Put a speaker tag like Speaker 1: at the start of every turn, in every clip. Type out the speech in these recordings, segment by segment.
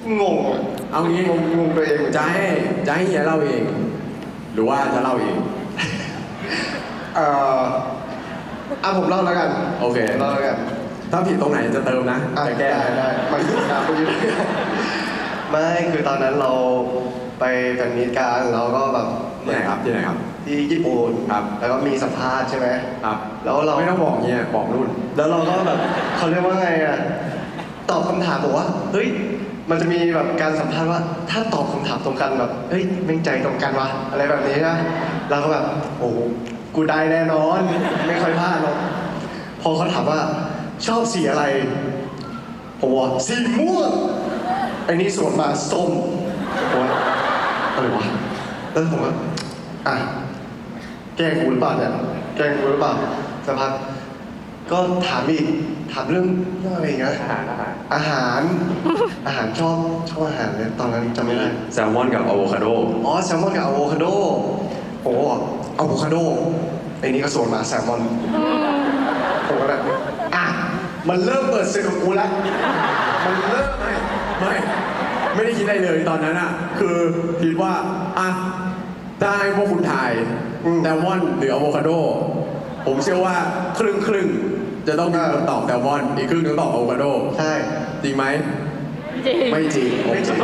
Speaker 1: งงอ่ะ
Speaker 2: เอางี้
Speaker 1: งงตัวเอง
Speaker 2: จะให้เฮียเล่าเอง หรือว่าจะเล่าเอง
Speaker 1: เอ่อผมเล่าแล้วกัน
Speaker 2: โอเค
Speaker 1: เล่าแล้วกัน
Speaker 2: ถ้าผิดตรงไหนจะเติมนะจะแก้
Speaker 1: ได้มันครับคุณยุทธไม่คือตอนนั้นเราไปแฟนมีตกันเราก็แบบ
Speaker 2: ที่ไหนครับที่ไหนครับ
Speaker 1: ที่ญี่ปุ่น
Speaker 2: ครับ
Speaker 1: แล้วก็มีสัมภาษณ์ใช่ไหม
Speaker 2: ครับ
Speaker 1: แล้วเรา
Speaker 2: ไม่ต้องบอกเฮียบอกรุ่น
Speaker 1: แล้วเราก็แบบเขาเรียกว่าไงอ่ะตอบคำถามบอกว่าเฮ้ยมันจะมีแบบการสัมภาษณ์ว่าถ้าตอบคำถามตรงกันแบบเฮ้ยแม่งใจตรงกันวะอะไรแบบนี้นะเราก็แบบโอ้โหกูได้แน่นอน ไม่ค่อยพลาดหรอกพอเขาถามว่าชอบสีอะไรผมบอกสีม่วงไอ้นี่สวนมาส้มผมว่าอะไรวะแล้วผมก็อ่ะแกล้งกูหรือเปล่าเนี่ยแกล้งกูหรือเปล่าสักพักก็ถามอีกถามเรื่องอะไรอย่างเงี้ยอาหารชอบอาหารเลยตอนนั้นจำไม่ได้
Speaker 2: แซลมอนกับอะโวคาโด
Speaker 1: อ๋อแซลมอนกับอะโวคาโดโอ้อะโวคาโดไอ้นี่ก็สวนมาแซลมอนผมก็แบบอ่ะมันเริ่มเปิดศึกของกูแล้วมันเริ่ม
Speaker 2: ไม่ได้คิดอะไรเลยตอนนั้นอ่ะคือคิดว่าอ่ะถ้าให้พวกคุณถ่ายแซลมอนหรืออะโวคาโดผมเชื่อว่าครึ่งจะต้องมีคนตอบแซลมอนอีกครึ่งนึงตอบอะโวคาโด
Speaker 1: ใช่
Speaker 2: จริงไหม
Speaker 3: จริง
Speaker 2: ไม่จริง
Speaker 1: ไม่จริง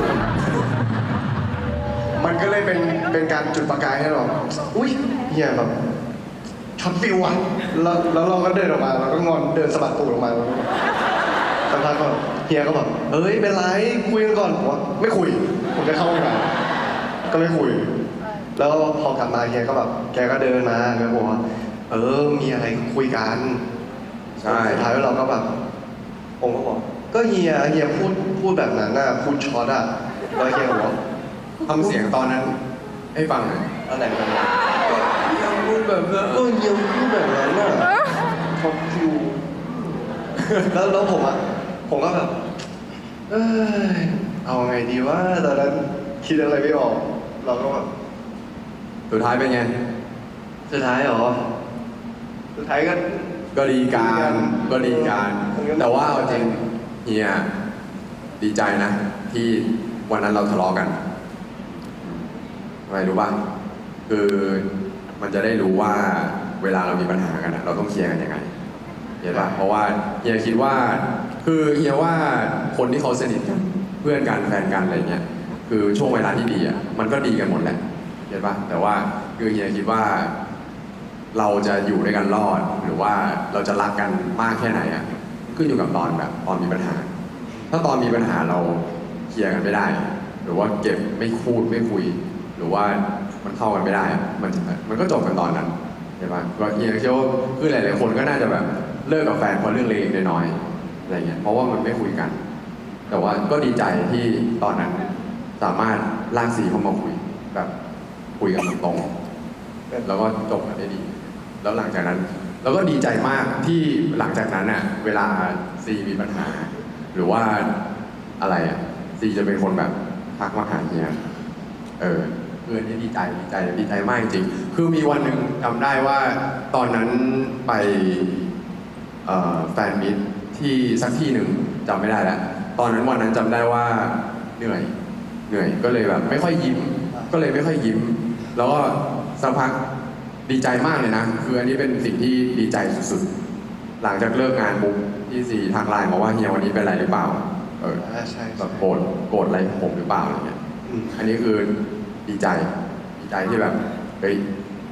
Speaker 1: มันก็เลยเป็นการจุดประกายให้เราอุ้ยเฮียแบบช็อตฟิวอ่ะแล้วเราก็เดินออกมาเราก็งอนเดินสะบัดตูดออกมาแล้วก็สักพักก็เฮียก็แบบเฮ้ยเป็นไรคุยกันก่อนผมว่าไม่คุยผมจะเข้าห้องน้ำก็ไม่คุย แล้วพอกลับมาเฮียก็แบบแกก็เดินมาแล้วบอกว่ามีอะไรคุยกัน
Speaker 2: ใช่
Speaker 1: สุดท้ายเราก็แบบผมก็บอกก็เฮียพูดแบบนั้นน่ะพูดช็อตอ่ะแล้วเฮียบอกว่า
Speaker 2: ทำเสียงตอนนั้นให้ฟังหน่อย
Speaker 1: อะไรกันนะ
Speaker 2: ยังพูดแบบนั้น
Speaker 1: ก็เฮียพูดแบบนั้นน่ะท็อปคิวแล้วผมก็แบบเอ้ยเอาไงดีวะตอนนั้นคิดอะไรไม่ออกเราก็แบบ
Speaker 2: สุดท้ายเป็นไง
Speaker 1: สุดท้ายเหรอสุดท้ายก็
Speaker 2: ก็ดีการแต่ว่าเอาจริงเฮียดีใจนะ ที่วันนั้นเราทะเลาะกันทำไมรู้ป่ะคือมันจะได้รู้ว่าเวลาเรามีปัญหากันเราต้องเคลียร์กันยังไงเห็นป่ะเพราะว่าเฮียคิดว่าคือเฮียว่าคนที่เขาสนิทกันเพื่อนกันแฟนกันอะไรเงี้ยคือช่วงเวลาที่ดีอ่ะมันก็ดีกันหมดแหละเห็นป่ะแต่ว่าคือเฮียคิดว่า เราจะอยู่ด้วยกันรอดหรือว่าเราจะรักกันมากแค่ไหนอ่ะขึ้นอยู่กับตอนมีปัญหา ถ้าตอนมีปัญหาเราเคลียร์กันไม่ได้ หรือว่าเก็บไม่พูดไม่คุย หรือว่ามันเข้ากันไม่ได้อะมันก็จบกันตอนนั้นใช่ปะก็เฮียเชื่อว่าคือหลายๆคนก็น่าจะแบบเลิกกับแฟนเพราะเรื่องเล็กๆน้อยๆอะไรเงี้ยเพราะว่ามันไม่คุยกัน แต่ว่าก็ดีใจที่ตอนนั้นสามารถลากสีเข้ามาคุยแบบคุยกันตรงๆแล้วก็จบกันได้ดี แล้วหลังจากนั้นเราก็ดีใจมากที่หลังจากนั้นน่ะเวลาซีมีปัญหา หรือว่าอะไรอ่ะซีจะเป็นคนแบบทักมาหาเฮียนี่ดีใจมากจริงคือมีวันหนึ่งจำได้ว่าตอนนั้นไปแฟนมิตที่สักที่หนึ่งจำไม่ได้แล้วตอนนั้นวันนั้นจำได้ว่าเหนื่อยก็เลยแบบไม่ค่อยยิ้มแล้วก็สักพักดีใจมากเลยนะคืออันนี้เป็นสิ่งที่ดีใจสุดๆหลังจากเลิกงานปุ๊บที่สี่ทางไลน์บอกว่าเฮียวันนี้เป็นไรหรือเปล่า
Speaker 1: ใช่
Speaker 2: แบบโกรธอะไรผมหรือเปล่าอะไรเงี้ยอันนี้คือดีใจที่แบบเฮ้ย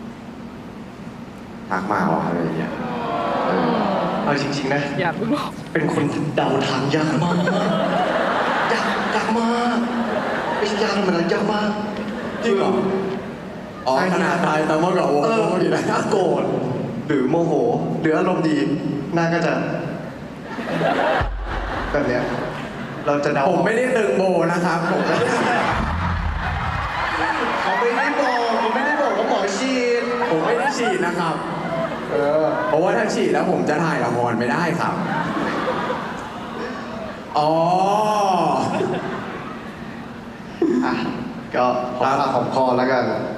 Speaker 2: ทักมาว่ะอะไรเงี้ย
Speaker 1: เอาจริงๆนะ
Speaker 3: อย่าเพิ่งบอก
Speaker 1: เป็นคนเดาทางยากมากยากมากไม่ใช่ยากธรรมดายากมาก
Speaker 2: จริงเหรออ๋อขนาดตายแต่เมื่อก่อนโอ้โหดีนะ
Speaker 1: โกรธหรือโมโหหรืออารมณ์ดีหน้าก็จะแบบเนี้ยเราจะเดา
Speaker 2: ผมไม่ได้ตึงโบนะครับผมไม่ได้
Speaker 1: เขาไม่ได้บอกว่าหมอฉีด
Speaker 2: ผมไม่ได้ฉีดนะครับเพราะว่าถ้าฉีดแล้วผมจะถ่ายละครไม่ได้ครับอ๋อ
Speaker 1: ก็หอมปากหอมคอแล้วกัน